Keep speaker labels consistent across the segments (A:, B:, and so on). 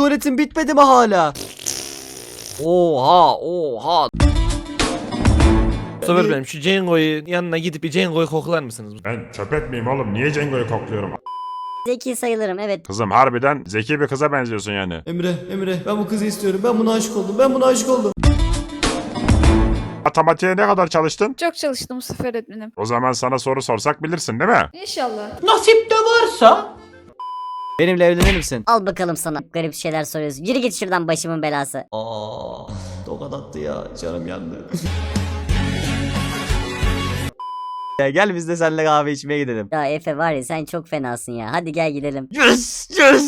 A: tuvaletin bitmedi mi hala? Oha.
B: Mustafa benim şu Cengo'yu yanına gidip bir Cengo'yu koklar mısınız?
C: Ben köpek miyim oğlum? Niye Cengo'yu kokluyorum?
D: Zeki sayılırım, evet.
C: Kızım harbiden zeki bir kıza benziyorsun yani.
A: Emre ben bu kızı istiyorum. Ben buna aşık oldum.
C: Matematiğe ne kadar çalıştın?
E: Çok çalıştım Mustafa öğretmenim.
C: O zaman sana soru sorsak bilirsin değil mi?
E: İnşallah.
A: Benimle evlenir misin?
D: Al bakalım sana. Garip şeyler soruyorsun. Yürü git şuradan, başımın belası.
A: Tokat attı ya. Canım yandı. Ya gel biz de seninle kahve içmeye gidelim.
D: Ya Efe var ya, sen çok fenasın ya. Hadi gel gidelim.
A: Yes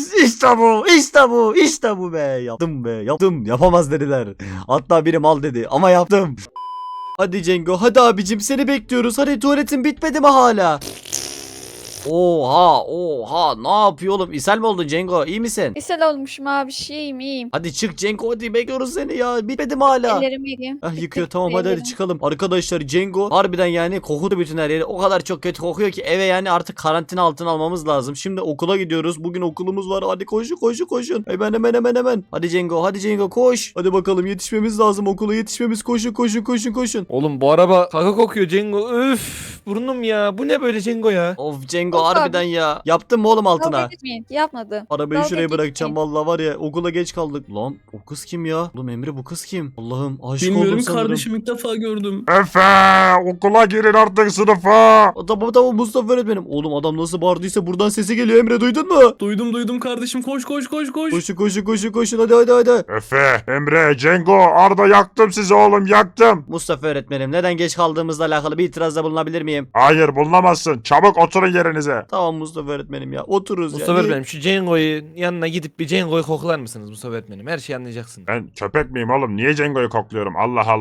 A: işte bu be. Yaptım. Yapamaz dediler. Hatta biri mal dedi ama yaptım. Hadi Cengo, hadi abicim, seni bekliyoruz. Hadi, tuvaletin bitmedi mi hala? Oha, ne yapıyor oğlum? İshal mi oldun Cengo? İyi misin?
E: İshal olmuşum abi, iyiyim.
A: Hadi çık Cengo, hadi bekliyoruz seni ya. Bitmedi mi hala?
E: Ellerimi yıkayayım.
A: Ah, yıkıyor, tamam, hadi çıkalım. Arkadaşlar Cengo harbiden yani kokudu bütün her yeri. O kadar çok kötü kokuyor ki eve yani artık karantina altına almamız lazım. Şimdi okula gidiyoruz. Bugün okulumuz var. Hadi koşun. Hemen. Hadi Cengo koş. Hadi bakalım, yetişmemiz lazım okula, yetişmemiz. Koşun.
B: Oğlum bu araba kaka kokuyor Cengo. Üf burnum ya. Bu ne böyle Cengo ya?
A: Of Cengo,
E: Of abi.
A: harbiden ya. Yaptın mı oğlum altına?
E: Dalga geçmeyin. Yapmadım.
A: Arabayı
E: Dalga
A: şuraya bırakacağım
E: geçmeyin.
A: vallahi, var ya okula geç kaldık. Lan o kız kim ya? Oğlum Emre, bu kız kim? Allah'ım, aşık oldum
F: Bilmiyorum
A: sanırım.
F: kardeşim, ilk defa gördüm.
C: Efe okula girin artık sınıfa.
A: Tamam Mustafa öğretmenim. Oğlum adam nasıl bağırdıysa buradan sesi geliyor, Emre duydun mu?
F: Duydum kardeşim, koş.
A: Koşun hadi.
C: Efe, Emre, Cengo, Arda yaktım sizi oğlum yaktım.
A: Mustafa öğretmenim, neden geç kaldığımızla alakalı bir itirazda bulunabilir miyim?
C: Hayır bulunamazsın. Çabuk oturun yerinize.
A: Tamam Mustafa öğretmenim ya, otururuz
B: Mustafa
A: ya.
B: benim şu Cengo'yu yanına gidip bir Cengo'yu koklar mısınız Mustafa öğretmenim? Her şeyi anlayacaksın.
C: Ben köpek miyim oğlum? Niye Cengo'yu kokluyorum?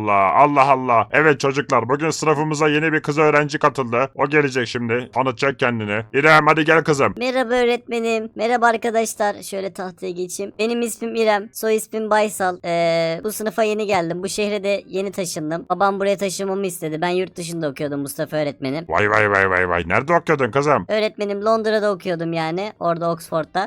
C: Allah. Evet çocuklar, bugün sınıfımıza yeni bir kız öğrenci katıldı. O gelecek şimdi. Tanıtacak kendini. İrem hadi gel kızım.
D: Merhaba öğretmenim. Merhaba arkadaşlar. Şöyle tahtaya geçeyim. Benim ismim İrem. Soy ismim Baysal. Bu sınıfa yeni geldim. Bu şehre de yeni taşındım. Babam buraya taşınmamı istedi. Ben yurt dışında okuyordum Mustafa öğretmenim.
C: Vay. Nerede okuyordun kızım?
D: Öğretmenim Londra'da okuyordum yani. Orada Oxford'da.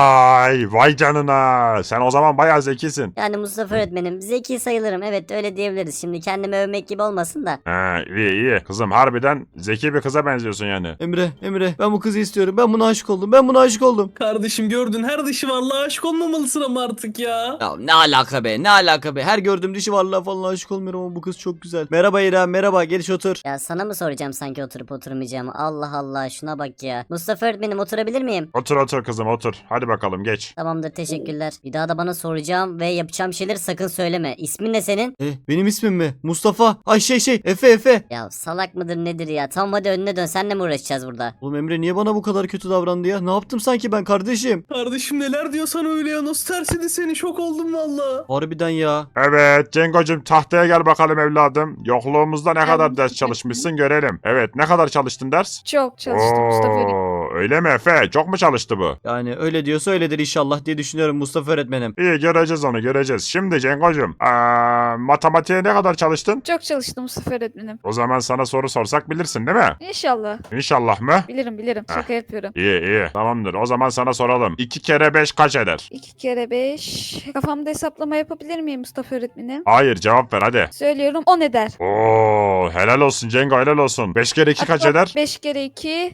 C: Vay canına. Sen o zaman bayağı zekisin.
D: Yani Mustafa öğretmenim zeki sayılırım. Evet, öyle diyebiliriz. Şimdi kendimi övmek gibi olmasın da.
C: Ha, iyi. Kızım harbiden zeki bir kıza benziyorsun yani.
A: Emre ben bu kızı istiyorum. Ben buna aşık oldum.
F: Kardeşim gördün, her dışı vallahi aşık olmamalısın ama artık ya.
A: Ya ne alaka be. Her gördüğüm dişi varlığa falan aşık olmuyorum ama bu kız çok güzel. Merhaba İrem, merhaba, geliş otur.
D: Ya sana mı soracağım sanki oturup oturmayacağımı? Allah Allah, şuna bak ya. Mustafa öğretmenim, oturabilir miyim?
C: Otur kızım otur. Hadi bakalım geç.
D: Tamamdır, teşekkürler. Bir daha da bana soracağım ve yapacağım şeyleri sakın söyleme. İsmin ne senin?
A: Benim ismim mi? Mustafa. Ay Efe.
D: Ya salak mıdır nedir ya? Tamam hadi önüne dön, senle mi uğraşacağız burada?
A: Oğlum Emre niye bana bu kadar kötü davrandı ya? Ne yaptım sanki ben kardeşim?
F: Kardeşim neler diyorsan öyle ya, nasıl tersedi seni, şok oldum valla.
A: Harbiden ya.
C: Evet Cengo'cum tahtaya gel bakalım evladım. Yokluğumuzda ne kadar ders çalışmışsın görelim. Evet ne kadar çalıştın ders?
E: Çok çalıştım Mustafa öğretmenim.
C: Öyle mi Efe? Çok mu çalıştı bu?
A: Yani öyle diyorsa öyledir inşallah diye düşünüyorum Mustafa öğretmenim.
C: İyi göreceğiz onu göreceğiz. Şimdi Cengo'cum matematiğe ne kadar çalıştın?
E: Çok çalıştım Mustafa öğretmenim.
C: O zaman sana soru sorsak bilirsin değil mi?
E: İnşallah.
C: İnşallah mı?
E: Bilirim. Şaka yapıyorum.
C: İyi tamamdır. O zaman sana soralım. 2 kere 5 kaç eder?
E: 2 kere 5. Kafamda hesaplama yapabilir miyim Mustafa öğretmenim?
C: Hayır cevap ver hadi.
E: Söylüyorum, 10 eder.
C: Oo helal olsun Cengo helal olsun. 5 kere 2 kaç eder?
E: 5 kere 2.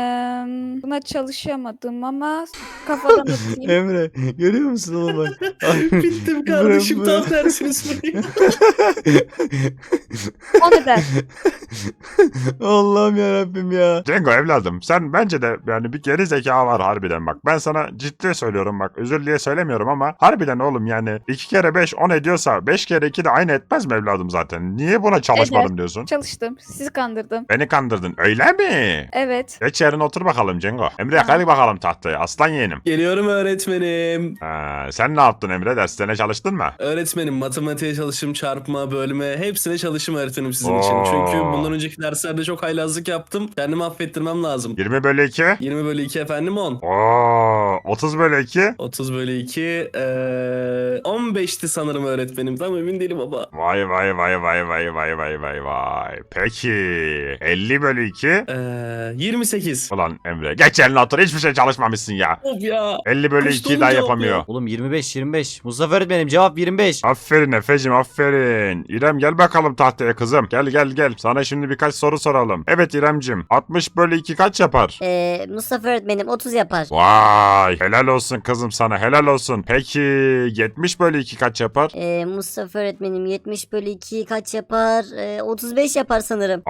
E: Buna çalışamadım ama kafadan atayım.
A: Emre görüyor musun oğlum bak?
F: Bittim kardeşim, tam tersini söyleyeyim.
E: 10 eder.
A: Allah'ım yarabbim ya.
C: Cengo evladım sen bence de yani bir geri zeka var harbiden bak. Ben sana ciddi söylüyorum bak özür diye söylemiyorum ama harbiden oğlum yani 2 kere 5 10 ediyorsa 5 kere 2 de aynı etmez mi evladım zaten? Niye buna çalışmadım
E: Eder.
C: diyorsun?
E: Çalıştım. Sizi kandırdım.
C: Beni kandırdın öyle mi?
E: Evet.
C: Geç yerine otur bakalım Cengo. Emre kalk bakalım tahtaya aslan yeğenim.
F: Geliyorum öğretmenim.
C: Sen ne yaptın Emre derslerine çalıştın mı?
F: Öğretmenim matematiğe çalışım, çarpma, bölme hepsine çalışım öğretmenim sizin için.
C: Oo,
F: Çünkü Ondan önceki derslerde çok haylazlık yaptım. Kendimi affettirmem lazım.
C: 20 bölü 2.
F: 20 bölü 2 efendim 10.
C: Oo, 30 bölü 2.
F: 30 bölü 2 15'ti sanırım öğretmenim. Tam emin değilim baba.
C: Vay vay vay vay vay vay vay vay vay. Peki 50 bölü 2.
F: 28.
C: Ulan Emre geç eline otur, hiçbir şey çalışmamışsın ya.
F: Of ya.
C: 50 bölü
F: Kaçtı
C: 2'yi daha
F: oğlum cevap
C: yapamıyor.
F: ya?
A: Oğlum 25. Mustafa öğretmenim cevap 25.
C: Aferin Efe'cim aferin. İrem gel bakalım tahtaya kızım. Gel. Sana şimdi birkaç soru soralım. Evet İremcim 60 bölü 2 kaç yapar?
D: Mustafa öğretmenim 30 yapar.
C: Vay helal olsun kızım sana, helal olsun. Peki 70 bölü 2 kaç yapar?
D: Mustafa öğretmenim 70 bölü 2 kaç yapar? 35 yapar sanırım.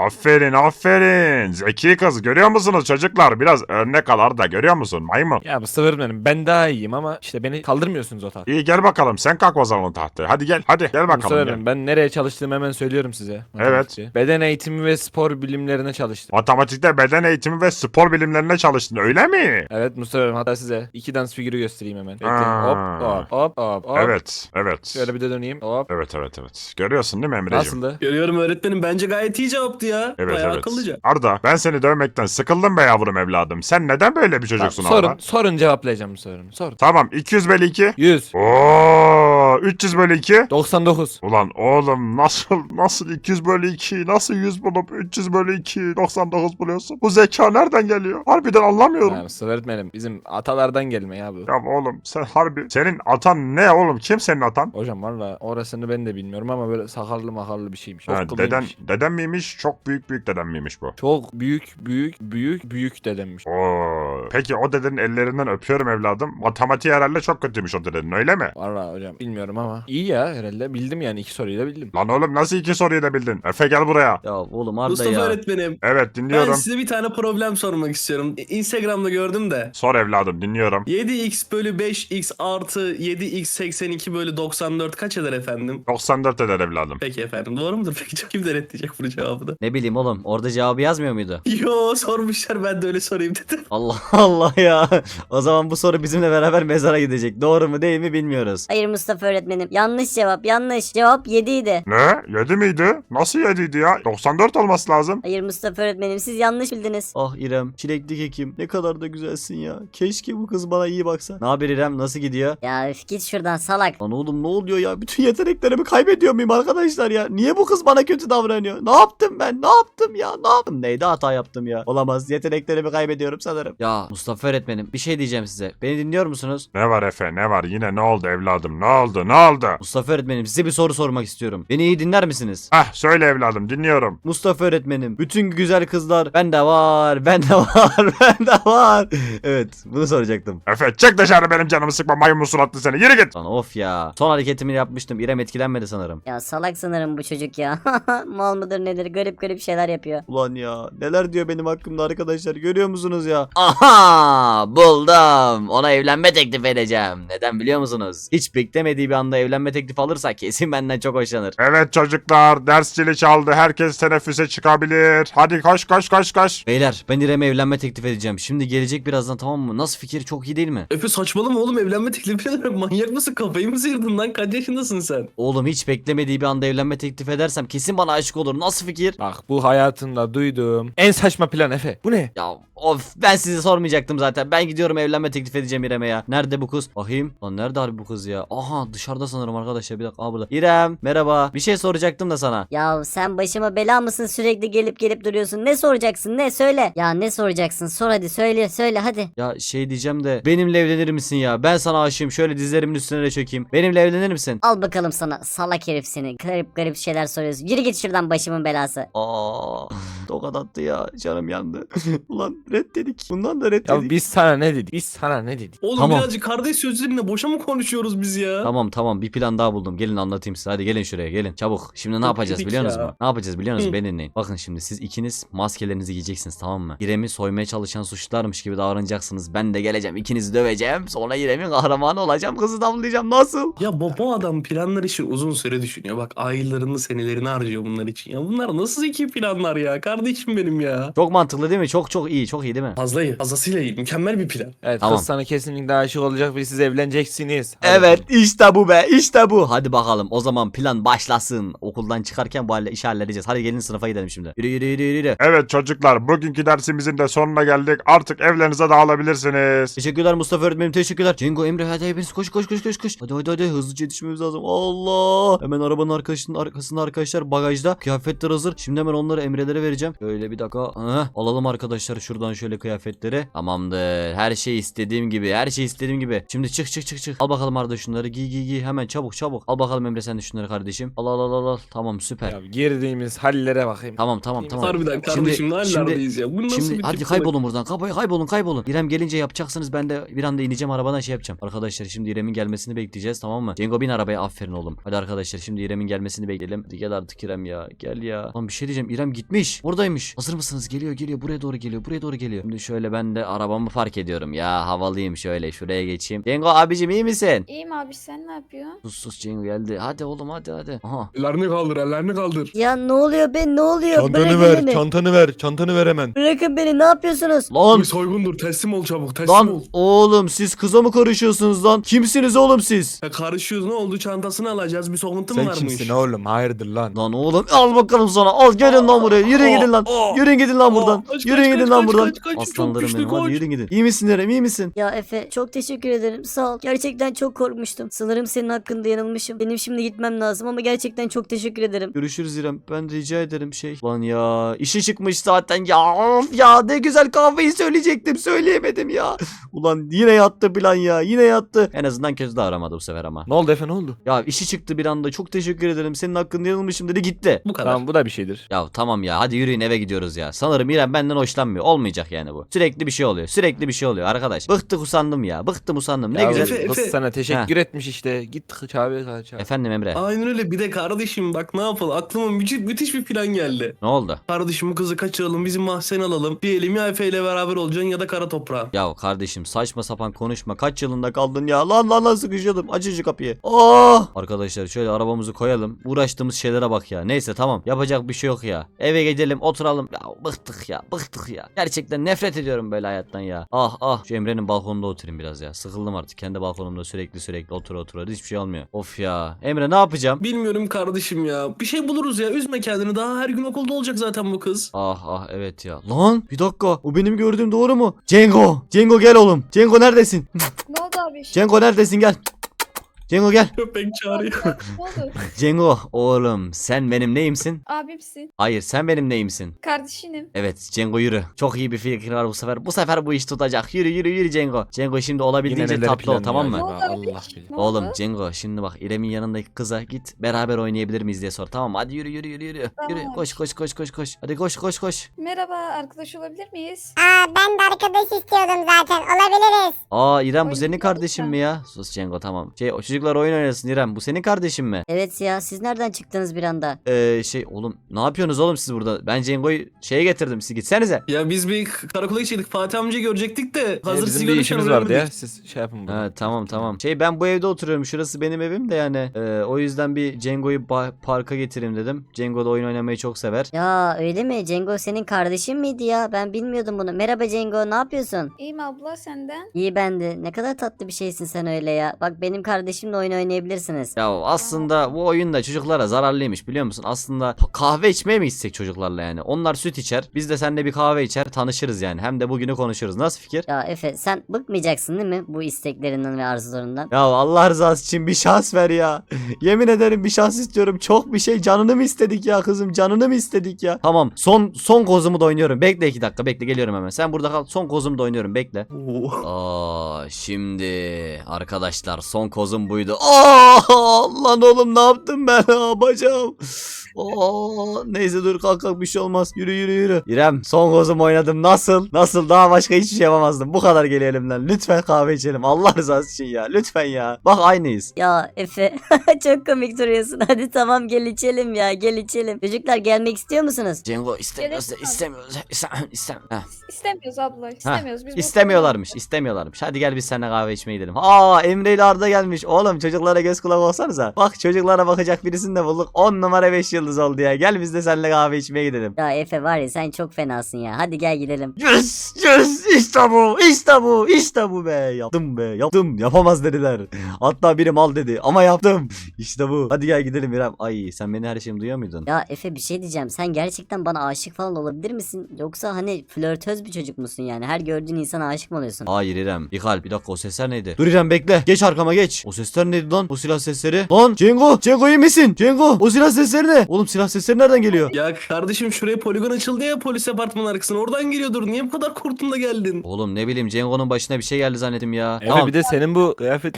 C: Aferin. Zeki kız, görüyor musunuz çocuklar? Biraz örnek al Arda, görüyor musun maymun?
B: Ya Mustafa öğretmenim ben daha iyiyim ama işte beni kaldırmıyorsunuz o tahtaya.
C: İyi gel bakalım, sen kalk o zaman tahtaya. Hadi gel
B: Mustafa
C: bakalım gel.
B: öğretmenim ben nereye çalıştığımı hemen söylüyorum size. Matematikçi. Beden eğitimi ve spor bilimlerine çalıştım.
C: Matematikte beden eğitimi ve spor bilimlerine çalıştın öyle mi?
B: Evet Mustafa öğretmenim hatta size 2 dans figürü göstereyim hemen. Bekleyin.
C: Aa.
B: Hop.
C: Evet.
B: Şöyle bir de döneyim. Hop.
C: Evet. Görüyorsun değil mi Emre'ciğim?
B: Nasıldı?
F: Görüyorum öğretmenim. Bence gayet iyi cevaptı ya. Bayağı akıllıca.
C: Arda ben seni dövmekten sıkıldım be yavrum evladım. Sen neden böyle bir çocuksun
B: Tamam,
C: Arda?
B: sorun cevaplayacağım bu sorunu. Sorun.
C: Tamam 200 bölü 2.
B: 100.
C: Oo 300 bölü 2.
B: 99.
C: Ulan oğlum nasıl 200 bölü 2 nasıl 100 bulup 300 bölü 2 99 buluyorsun? Bu zeka nereden geliyor? Harbiden anlamıyorum.
B: Yani Mustafa öğretmenim bizim atalardan gelme ya bu.
C: Ya oğlum sen harbi senin atan ne oğlum? Kim senin atan?
B: Hocam valla orasını ben de bilmiyorum ama böyle sakallı makallı bir şeymiş.
C: Ha,
B: Okkuluymuş.
C: deden miymiş? Çok büyük deden miymiş bu?
B: Çok büyük dedemmiş.
C: Oo. Peki o dedenin ellerinden öpüyorum evladım. Matematiği herhalde çok kötüymüş o dedenin öyle mi?
B: Valla hocam bilmiyorum ama iyi ya herhalde bildim yani 2 soruyu da bildim.
C: Lan oğlum nasıl 2 soruyu da bildin? Efe gel buraya.
A: Ya oğlum Arda
F: Mustafa
A: ya.
F: öğretmenim.
C: Evet
F: Ben
C: dinliyorum.
F: size bir tane problem sormak istiyorum. Instagram'da gördüm de.
C: Sor evladım dinliyorum.
F: 7x bölü 5x artı 7x 82 bölü 94 kaç eder efendim?
C: 94 eder evladım.
F: Peki efendim doğru mudur? Peki kim denetleyecek bunu cevabını?
A: Ne bileyim oğlum orada cevabı yazmıyor muydu?
F: Yo sormuşlar ben de öyle sorayım dedim.
A: Allah Allah ya. O zaman bu soru bizimle beraber mezara gidecek. Doğru mu değil mi bilmiyoruz.
D: Hayır Mustafa öğretmenim. Yanlış cevap. Yanlış. Cevap 7 idi.
C: Ne? 7 miydi? Nasıl 7'ydi ya? 94 olması lazım.
D: Hayır Mustafa öğretmenim siz yanlış bildiniz.
A: Ah İrem, çilekli kekim. Ne kadar da güzelsin ya. Keşke bu kız bana iyi baksa. Ne haber İrem? Nasıl gidiyor?
D: Ya üf, git şuradan salak.
A: Lan oğlum ne oluyor ya? Bütün yeteneklerimi kaybediyor muyum arkadaşlar ya? Niye bu kız bana kötü davranıyor? Ne yaptım ben? Ne yaptım ya? Ne yaptım? Neydi hata yaptım ya? Olamaz. Yeteneklerimi kaybediyorum sanırım. Ya Mustafa öğretmenim bir şey diyeceğim size. Beni dinliyor musunuz?
C: Ne var Efe ne var? Yine ne oldu evladım? Ne oldu?
A: Mustafa öğretmenim size bir soru sormak istiyorum. Beni iyi dinler misiniz?
C: Hah söyle evladım dinliyorum.
A: Mustafa öğretmenim bütün güzel kızlar bende var, bende var. Evet bunu soracaktım.
C: Efe çık dışarı, benim canımı sıkma maymun suratlı seni. Yürü git.
A: Lan of ya. Son hareketimi yapmıştım. İrem etkilenmedi sanırım.
D: Ya salak sanırım bu çocuk ya. Mal mıdır nedir garip şeyler yapıyor.
A: Ulan ya neler diyor benim hakkımda arkadaşlar görüyor musunuz ya? Aha buldum. Ona evlenme teklif edeceğim. Neden biliyor musunuz? Hiç beklemediği bir anda evlenme teklifi alırsa kesin benden çok hoşlanır.
C: Evet çocuklar ders zili çaldı. Herkes teneffüse çıkabilir. Hadi koş.
A: Beyler ben İrem'e evlenme teklif edeceğim. Şimdi gelecek birazdan tamam mı? Nasıl fikir çok iyi değil mi?
F: Efe saçmalama oğlum evlenme teklifi ederek manyak mısın? Kafayı mı sıyırdın lan? Kaç yaşındasın sen?
A: Oğlum hiç beklemediği bir anda evlenme teklif edersem kesin bana aşık olur. Nasıl fikir?
B: Bak bu hayatımda duyduğum en saçma plan Efe. Bu ne?
A: Ya of ben size sormayacaktım zaten. Ben gidiyorum evlenme teklif edeceğim İrem'e ya. Nerede bu kız? Bakayım. Lan nerede harbi bu kız ya? Aha dışarıda sanırım arkadaşlar. Bir dakika. Aa burada. İrem merhaba. Bir şey soracaktım da sana.
D: Ya sen başıma bela mısın sürekli gelip duruyorsun. Ne soracaksın ne söyle. Ya ne soracaksın sor hadi söyle hadi.
A: Ya şey diyeceğim de benimle evlenir misin ya? Ben sana aşığım. Şöyle dizlerimin üstüne de çökeyim. Benimle evlenir misin?
D: Al bakalım sana salak herif seni. Garip şeyler soruyorsun. Yürü git şuradan başımın belası.
A: Aa, tokat attı ya. Canım yandı. Ulan reddedik. Bundan da reddedik.
B: Ya biz sana ne dedik?
F: Oğlum
A: Tamam.
F: birazcık kardeş sözleriyle boşa mı konuşuyoruz biz ya?
A: Tamam bir plan daha buldum. Gelin anlatayım size. Hadi gelin şuraya gelin. Çabuk. Şimdi ne
F: Çok
A: yapacağız
F: yedik
A: biliyor musunuz
F: ya.
A: mu? Ne yapacağız biliyor musunuz?
F: Hı.
A: Beni dinleyin. Bakın şimdi siz ikiniz maskelerinizi giyeceksiniz tamam mı? İrem'i soymaya çalışan suçlularmış gibi davranacaksınız. Ben de geleceğim. İkinizi döveceğim. Sonra İrem'in kahramanı olacağım. Kızı damlayacağım. Nasıl?
F: Ya bu adam planlar için uzun süre düşünüyor. Bak aylarını senelerini harcıyor bunlar için. Ya bunlar nasıl zeki planlar ya? Kardeşim benim ya.
A: Çok mantıklı değil mi? Çok iyi. Çok çok iyi değil mi?
F: Fazla iyi. Fazlasıyla iyi. Mükemmel bir plan.
B: Evet
A: Tamam.
B: kız sana kesinlikle aşık olacak ve siz evleneceksiniz. Hadi
A: Evet
B: bakalım.
A: işte bu be işte bu. Hadi bakalım o zaman plan başlasın. Okuldan çıkarken bu işi halledeceğiz. Hadi gelin sınıfa gidelim şimdi. Yürü yürü yürü yürü.
C: Evet çocuklar, bugünkü dersimizin de sonuna geldik. Artık evlerinize dağılabilirsiniz.
A: Teşekkürler Mustafa öğretmenim, teşekkürler. Cengo, Emre, hadi hepiniz koş koş koş koş koş. Hadi hızlıca yetişmemiz lazım. Allah. Hemen arabanın arkasında arkadaşlar bagajda kıyafetler hazır. Şimdi hemen onları Emre'lere vereceğim. Şöyle bir dakika. Alalım arkadaşlar şuradan şöyle kıyafetleri. Tamamdır. Her şey istediğim gibi. Her şey istediğim gibi. Şimdi çık. Al bakalım Arda şunları. Giy. Hemen çabuk. Al bakalım Emre sen de şunları kardeşim. Al. Tamam süper.
B: Ya girdiğimiz hallere bakayım.
A: Tamam.
F: Harbiden kardeşim ne hallerdeyiz ya. Bu nasıl
A: Şimdi
F: bir
A: hadi
F: tip
A: kaybolun buradan. Kaybolun. İrem gelince yapacaksınız. Ben de bir anda ineceğim arabadan şey yapacağım. Arkadaşlar şimdi İrem'in gelmesini bekleyeceğiz, tamam mı? Cengo bin arabaya, aferin oğlum. Hadi arkadaşlar şimdi İrem'in gelmesini bekleyelim. Hadi gel artık İrem ya. Gel ya. Lan bir şey diyeceğim. İrem gitmiş. Oradaymış. Hazır mısınız? Geliyor. Buraya doğru geliyor. Şimdi şöyle ben de arabamı park ediyorum. Ya havalıyım şöyle. Şuraya geçeyim. Cengo abicim iyi misin?
E: İyiyim abi sen ne yapıyorsun?
A: Sus Cengo geldi. Hadi oğlum hadi. Aha.
F: Ellerini kaldır.
D: Ya ne oluyor be, ne oluyor? Bırakın beni.
B: Çantanı ver hemen.
D: Bırakın beni, ne yapıyorsunuz?
A: Lan
F: Bir soygundur. Teslim ol çabuk. Teslim
A: Lan
F: ol.
A: oğlum siz kıza mı karışıyorsunuz lan? Kimsiniz oğlum siz?
F: Ya karışıyoruz, ne oldu? Çantasını alacağız. Bir soğuntun mu
B: Sen
F: varmış?
B: kimsin oğlum? Hayırdır lan?
A: Lan oğlum al bakalım sana. Al gelin lan buraya. Yürüyün gidin lan. Yürüyün gidin lan buradan.
F: Kaç,
A: Yürüyün
F: kaç,
A: gidin
F: kaç,
A: lan
F: kaç,
A: buradan.
F: kaç, kaç, çok
A: Aslanlarım
F: güçlü,
A: benim. Hadi
F: koş.
A: yürüyün gidin. İyi misin İrem? İyi misin?
D: Ya Efe çok teşekkür ederim, sağ ol. Gerçekten çok korkmuştum. Sanırım senin hakkında yanılmışım. Benim şimdi gitmem lazım ama gerçekten çok teşekkür ederim.
A: Görüşürüz İrem. Ben rica ederim şey. Lan ya işi çıkmış zaten ya. Of ya ne güzel kahveyi söyleyecektim. Söyleyemedim ya. Ulan yine yattı plan ya. Yine yattı. En azından kötü de aramadı bu sefer ama.
B: Ne oldu Efe ne oldu?
A: Ya işi çıktı bir anda. Çok teşekkür ederim. Senin hakkında yanılmışım dedi gitti.
F: Bu kadar.
B: Tamam bu da bir şeydir.
A: Ya tamam ya hadi yürüyün eve gidiyoruz ya. Sanırım İrem benden hoşlanmıyor. Olmayacak yani bu. Sürekli bir şey oluyor arkadaş. Bıktık usandım ya. Bıktım usandım. Ne
B: Ya
A: güzel.
F: Efe-
B: Kız sana teşekkür etmiş işte. Git çağır.
A: Efendim Emre.
F: Aynen öyle. Bir de kardeşim bak ne yapalım. Aklıma müthiş bir plan geldi.
A: Ne oldu?
F: Kardeşim bu kızı kaçıralım. Bizim mahzen alalım. Diyelim ya Efe ile beraber olacaksın ya da kara toprağa.
A: Ya kardeşim saçma sapan konuşma. Kaç yılında kaldın ya? Lan sıkışıyordum. Aç şu kapıyı. Oh! Arkadaşlar şöyle arabamızı koyalım. Uğraştığımız şeylere bak ya. Neyse tamam. Yapacak bir şey yok ya. Eve gidelim oturalım. Ya bıktık ya. Gerçekten nefret ediyorum böyle hayattan ya. Ah. Şu Emre'nin balkonunda oturayım biraz ya. Sıkıldım artık. Kendi balkonumda sürekli otur. Hiçbir şey olmuyor. Of ya. Emre ne yapacağım?
F: Bilmiyorum kardeşim ya. Bir şey buluruz ya. Üzme kendini. Daha her gün okulda olacak zaten bu kız.
A: Ah evet ya. Lan bir dakika. O benim gördüğüm doğru mu? Cengo gel oğlum. Cengo neredesin?
E: Ne oldu abi?
A: Cengo neredesin gel. Cengo gel.
F: Köpek çağırıyor.
E: Ne oldu?
A: Cengo oğlum sen benim neyimsin?
E: Abimsin.
A: Hayır sen benim neyimsin?
E: Kardeşinim.
A: Evet Cengo yürü. Çok iyi bir fikir var bu sefer. Bu sefer bu iş tutacak. Yürü Cengo. Cengo şimdi olabildiğince
B: neler
A: tatlı ol
B: planlıyor
A: tamam mı?
E: Ne
B: acaba?
E: oldu abi?
B: Allah bilir.
E: Ne
A: Oğlum
E: oldu?
A: Cengo şimdi bak İrem'in yanındaki kıza git beraber oynayabilir miyiz diye sor tamam mı? Hadi yürü.
E: Tamam.
A: Yürü koş. Hadi koş.
E: Merhaba, arkadaş olabilir miyiz?
G: Ben de arkadaş istiyordum zaten. Olabiliriz.
A: Aa İrem bu
E: Oyun
A: senin
E: oynayalım
A: kardeşin
E: mı?
A: mi ya? Sus Cengo tamam. O çocuklar oyun oynasın İrem bu senin kardeşin mi?
D: Evet ya, siz nereden çıktınız bir anda?
A: Oğlum ne yapıyorsunuz oğlum siz burada? Ben Cengo'yu şeye getirdim siz gitsenize.
F: Ya biz bir karakola gidecektik. Fatih amcayı görecektik de. Hazır
B: Bizim
F: sizi
B: bir
F: görmüşken
B: işimiz vardı ya.
F: öğrenmedik.
B: Siz şey yapın bunu.
A: Ha tamam. Ben bu evde oturuyorum. Şurası benim evim de yani. O yüzden bir Cengo'yu parka getireyim dedim. Cengo da oyun oynamayı çok sever.
D: Ya öyle mi? Cengo senin kardeşin miydi ya? Ben bilmiyordum bunu. Merhaba Cengo, ne yapıyorsun?
E: İyiyim abla, senden?
D: İyi ben de. Ne kadar tatlı bir şeysin sen öyle ya. Bak benim kardeşimle oyun oynayabilirsiniz.
A: Ya aslında bu oyunda çocuklara zararlıymış biliyor musun? Aslında kahve içmeye mi gitsek çocuklarla yani? Onlar süt içer. Biz de seninle bir kahve içer tanışırız yani. Hem de bugünü konuşuruz. Nasıl fikir?
D: Ya Efe, sen bıkmayacaksın değil mi bu isteklerinden ve arzularından?
A: Ya Allah rızası için bir şans ver ya. Yemin ederim bir şans istiyorum. Çok bir şey canını mı istedik ya kızım? Canını mı istedik ya? Tamam son kozumu da oynuyorum. Bekle 2 dakika bekle geliyorum hemen. Sen burada kal. Son kozumu da oynuyorum bekle. Şimdi arkadaşlar son kozum buydu. Lan oğlum ne yaptım ben bacağım. Neyse dur kalk bir şey olmaz. Yürü. İrem son kozum oynadım. Nasıl daha başka hiçbir şey yapamazdım. Bu kadar geliyor elimden. Lütfen kahve içelim. Allah rızası için ya. Lütfen ya. Bak aynıyız.
D: Ya Efe çok komik duruyorsun. Hadi tamam gel içelim ya, gel içelim. Çocuklar gelmek istiyor musunuz?
A: Cengo istemiyoruz.
E: Gerek yok. İstemiyoruz abla, istemiyoruz. Biz
A: İstemiyorlarmış. Hadi gel biz seninle kahve içmeye gidelim. Emre ile Arda gelmiş. Oğlum çocuklara göz kulak olsanıza. Bak çocuklara bakacak birisini de bulduk. 10 numara 5 yıldız yıldız oldu ya. Gel biz de seninle kahve içmeye gidelim.
D: Ya Efe var ya sen çok fenasın ya. Hadi gel gidelim.
A: Yes yes işte bu işte bu işte bu be. Yaptım be yaptım. Yapamaz dediler. Hatta biri mal dedi ama yaptım. İşte bu. Hadi gel gidelim İrem. Ay sen beni her şeyimi duyuyor muydun?
D: Ya Efe bir şey diyeceğim. Sen gerçekten bana aşık falan olabilir misin? Yoksa hani flörtöz bir çocuk musun yani? Her gördüğün insana aşık mı oluyorsun?
A: Hayır İrem. Bir dakika o sesler neydi? Dur İrem bekle. Geç arkama geç. O sesler neydi lan? O silah sesleri. Lan Cengo. Cengo iyi misin? Cengo. O silah sesleri ne? Oğlum silah sesleri nereden geliyor?
F: Ya kardeşim şuraya poligon açıldı ya polis apartmanı arkasına. Oradan geliyordur. Niye bu kadar korktun da geldin?
A: Oğlum ne bileyim Cengo'nun başına bir şey geldi zannettim ya.
B: Efe
A: Tamam.
B: bir de senin bu kıyafet...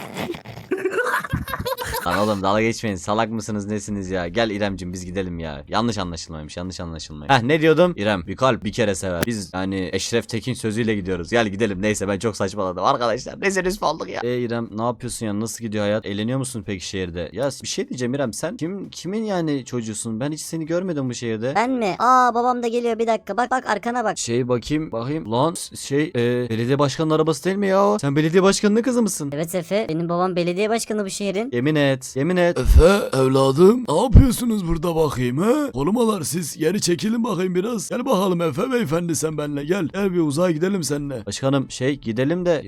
A: Lan oğlum dalga geçmeyin. Salak mısınız nesiniz ya? Gel İremcim biz gidelim ya. Yanlış anlaşılmaymış. Ne diyordum? İrem bir kalp bir kere sever. Biz yani Eşref Tekin sözüyle gidiyoruz. Gel gidelim. Neyse ben çok saçmaladım. Arkadaşlar ne rüsva olduk ya. İrem ne yapıyorsun ya? Nasıl gidiyor hayat? Eğleniyor musun peki şehirde? Ya bir şey diyeceğim İrem sen kimin yani çocuğusun? Ben hiç seni görmedim bu şehirde.
D: Ben mi? Aa babam da geliyor bir dakika. Bak arkana bak.
A: Bakayım. Lan belediye başkanının arabası değil mi ya o? Sen belediye başkanının kızı mısın?
D: Evet Efe. Benim babam belediye başkanı bu şehrin.
A: Yemin et.
H: Efe evladım ne yapıyorsunuz burada bakayım he? Korumalar siz geri çekilin bakayım biraz. Gel bakalım Efe beyefendi sen benimle gel. Gel bir uzağa gidelim seninle.
A: Başkanım gidelim de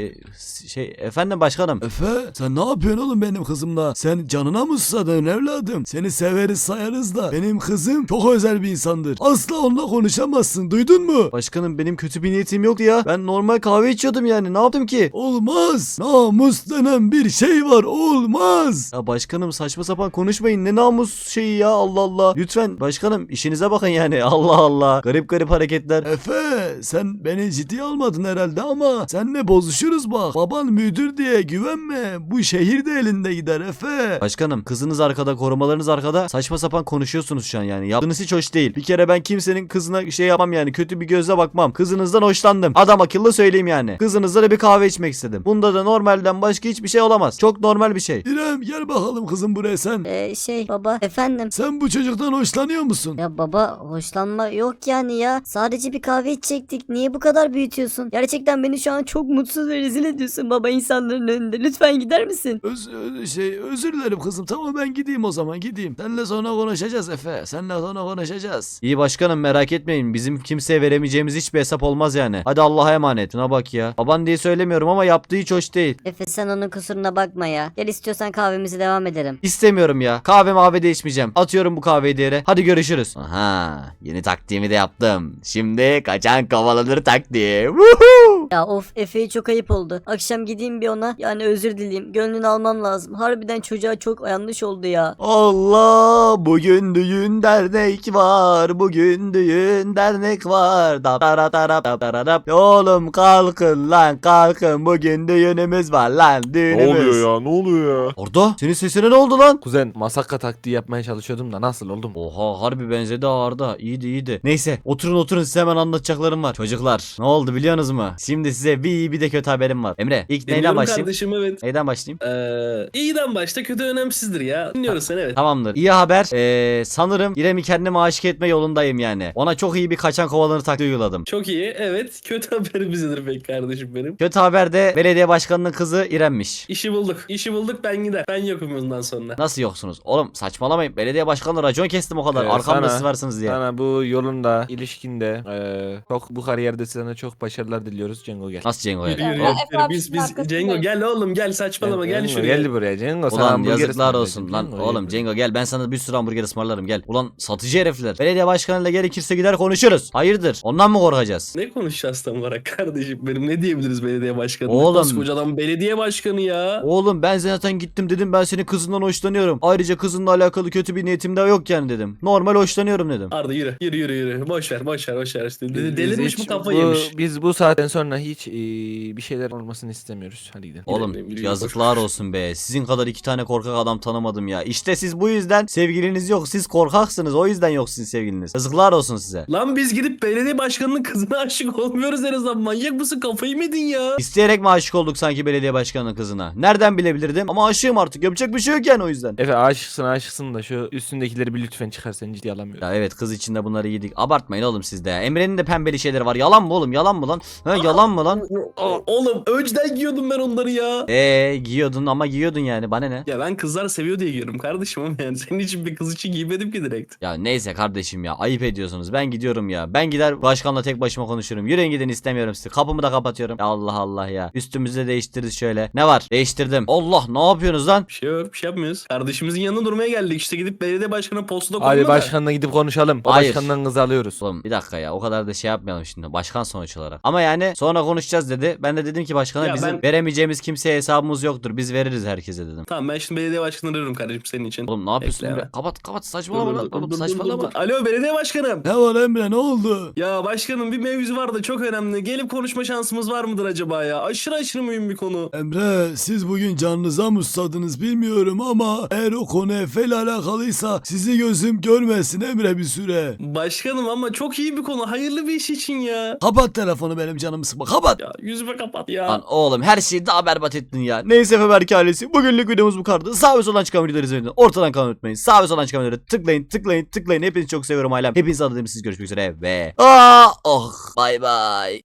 A: efendim başkanım.
H: Efe sen ne yapıyorsun oğlum benim kızımla? Sen canına mı susadın evladım? Seni severiz sayarız da benim kızım çok özel bir insandır. Asla onunla konuşamazsın duydun mu?
A: Başkanım benim kötü bir niyetim yoktu ya. Ben normal kahve içiyordum yani. Ne yaptım ki?
H: Olmaz. Namus denen bir şey var olmaz.
A: Ya başkanım saçma sapan konuşmayın. Ne namus şeyi ya Allah Allah. Lütfen başkanım işinize bakın yani. Allah Allah. Garip hareketler.
H: Efe sen beni ciddiye almadın herhalde ama seninle bozuşuruz bak. Baban müdür diye güvenme. Bu şehir de elinde gider Efe.
A: Başkanım kızınız arkada korumalarınız arkada saçma sapan konuşuyorsunuz şu an yani. Yaptığınız hiç hoş değil. Bir kere ben kimsenin kızına şey yapmam yani. Kötü bir gözle bakmam. Kızınızdan hoşlandım. Adam akıllı söyleyeyim yani. Kızınızla da bir kahve içmek istedim. Bunda da normalden başka hiçbir şey olamaz. Çok normal bir şey.
H: İrem gel bakalım kızım buraya sen.
D: Baba efendim.
H: Sen bu çocuktan hoşlanıyor musun?
D: Ya baba hoşlanma yok yani ya. Sadece bir kahve içecektik. Niye bu kadar büyütüyorsun? Gerçekten beni şu an çok mutsuz ve rezil ediyorsun baba insanların önünde. Lütfen gider misin?
H: Özür dilerim kızım. Tamam ben gideyim o zaman gideyim. Seninle sonra konuşacağız Efe. Seninle sonra konuşacağız.
A: İyi başkanım merak etmeyin. Bizim kimseye veremeyeceğimiz hiçbir hesap olmaz yani. Hadi Allah'a emanet. Şuna bak ya. Baban diye söylemiyorum ama yaptığı hiç hoş değil.
D: Efe sen onun kusuruna bakma ya. Gel istiyorsan kahvemizi devam edelim.
A: İstemiyorum ya. Kahve de içmeyeceğim. Atıyorum bu kahveyi diğere. Hadi görüşürüz. Aha. Yeni taktiğimi de yaptım. Şimdi kaçan kovalanır taktiği. Woohoo!
D: Ya of Efe'ye çok ayıp oldu. Akşam gideyim bir ona. Yani özür dileyeyim. Gönlünü almam lazım. Harbiden çocuğa çok yanlış oldu ya.
A: Allah bugün düğün dernek var. Bugün düğün dernek var. Oğlum kalkın lan kalkın. Bugün düğünümüz var lan düğünümüz.
B: Ne oluyor ya?
A: Orada senin sesine ne oldu lan?
B: Kuzen masaka taktiği yapmaya çalışıyordum da nasıl oldum?
A: Oha harbi benzedi Arda. İyiydi. Neyse oturun size hemen anlatacaklarım var. Çocuklar ne oldu biliyorsunuz mu? Şimdi size bir iyi bir de kötü haberim var. Emre ilk neyden
F: Dinliyorum
A: başlayayım?
F: kardeşim evet.
A: Neyden başlayayım?
F: İyiden başta kötü önemsizdir ya. Dinliyoruz seni evet.
A: Tamamdır. İyi haber. Sanırım İrem'i kendime aşık etme yolundayım yani. Ona çok iyi bir kaçan kovalanır taktiği uyguladım.
F: Çok iyi evet. Kötü haberimiz nedir peki kardeşim benim?
A: Kötü haber de belediye başkanının kızı İrem'miş.
F: İşi bulduk ben gider. Ben yokum bundan sonra.
A: Nasıl yoksunuz? Oğlum saçmalamayın. Belediye başkanı racon kestim o kadar.
B: Evet,
A: Arkamda
B: sana-
A: siz varsınız diye.
B: Sana bu yolunda, ilişkinde, çok bu kariyerde sana çok başarılar diliyoruz Cengo gel.
A: Nasıl Cengo
F: Yürü
A: ya?
F: yürü.
E: Ya,
F: yürü.
E: Efe abi
F: Biz
E: şunun arkasındayım.
F: Cengo gel oğlum gel saçmalama gel
B: Cengo,
F: şuraya.
B: Gel buraya Cengo. sana
A: Ulan
B: hamburger
A: yazıklar
B: ısmarlayacağım.
A: olsun lan.
B: Cengo,
A: Oğlum
B: gel
A: Cengo gel ben sana bir sürü hamburger ısmarlarım gel. Ulan satıcı herifler. Belediye başkanıyla gerekirse gider konuşuruz. Hayırdır? Ondan mı korkacağız?
F: Ne konuşacağız tam olarak kardeşim benim ne diyebiliriz belediye başkanı?
A: Oğlum.
F: Koskoca adam belediye başkanı ya.
A: Oğlum ben zaten gittim dedim ben senin kızından hoşlanıyorum. Ayrıca kızınla alakalı kötü bir niyetim de yok yani dedim. Normal hoşlanıyorum dedim.
F: Arda yürü. Boş ver işte.
B: Biz
F: Delirmiş
B: hiç
F: mi kafayı yemiş?
B: Biz bu saatten sonra hiç bir şeyler olmasını istemiyoruz. Hadi gidelim.
A: Oğlum
F: Yürü,
A: yazıklar olsun be. Sizin kadar iki tane korkak adam tanımadım ya. İşte siz bu yüzden sevgiliniz yok. Siz korkaksınız. O yüzden yok sizin sevgiliniz. Yazıklar olsun size.
F: Lan biz gidip belediye başkanının kızına aşık olmuyoruz en azından. Manyak mısın kafayı mı yedin ya?
A: İsteyerek mi aşık olduk sanki belediye başkanının kızına? Nereden bilebilirdim? Ama aşığım aşığım artık. Yapacak bir şey yok yani o yüzden.
B: Efe aşıksın da şu üstündekileri bir lütfen çıkar, seni ciddiye alamıyorum.
A: Ya evet, kız içinde bunları yedik. Abartmayın oğlum siz de ya. Emre'nin de pembeli şeyleri var. Yalan mı oğlum? Yalan mı lan? Ha, yalan mı lan?
F: Oğlum önceden giyiyordum ben onları ya.
A: Giyiyordun ama giyiyordun yani. Bana ne?
F: Ya ben kızlar seviyor diye giyiyorum kardeşim ama yani senin için bir kız için giymedim ki direkt.
A: Ya neyse kardeşim ya. Ayıp ediyorsunuz. Ben gidiyorum ya. Ben gider başkanla tek başıma konuşurum. Yürüyün gidin, istemiyorum sizi. Kapımı da kapatıyorum. Ya Allah Allah ya. Üstümüzü de değiştiririz şöyle. Ne var? Değiştirdim. Allah, ne yapıyorsunuz lan?
F: Bir şey yok, bir şey yapmıyoruz. Kardeşimizin yanına durmaya geldik. İşte gidip belediye başkanına postada koyma
B: Hadi
F: da.
B: başkanla gidip konuşalım. O
A: Hayır.
B: başkandan kızı alıyoruz.
A: Oğlum bir dakika ya, o kadar da şey yapmayalım şimdi, başkan sonuç olarak. Ama yani sonra konuşacağız dedi. Ben de dedim ki başkana
F: Ya
A: bizim
F: ben-
A: veremeyeceğimiz kimseye hesabımız yoktur. Biz veririz herkese dedim.
F: Tamam, ben şimdi belediye başkanını arıyorum kardeşim senin için.
A: Oğlum ne yapıyorsun
F: Bekle
A: Emre?
F: ya.
A: Kapat saçmalama lan. Oğlum
F: Dur.
A: saçmalama.
F: Alo belediye başkanım.
H: Ne var Emre, ne oldu?
F: Ya başkanım, bir mevzu var da çok önemli. Gelip konuşma şansımız var mıdır acaba ya? Aşırı mühim bir konu.
H: Emre, siz bugün canınıza mı susadınız bilmiyorum ama eğer o konu Efe ile alakalıysa sizi gözüm görmesin Emre bir süre.
F: Başkanım ama çok iyi bir konu. Hayırlı bir iş için ya.
H: Kapat telefonu, benim canımı sıkma, kapat.
F: Ya yüzüme kapat ya.
A: Lan oğlum her şeyi daha berbat ettin ya. Neyse Efe Berke ailesi, bugünlük videomuz bu kadardı. Sağ ve soldan çıkan videoları izlemeyi ortadan kalmayı unutmayın. Sağ ve soldan çıkan videoları tıklayın. Hepinizi çok seviyorum ailem. Hepinizi adına siz görüşmek üzere ve bay bay.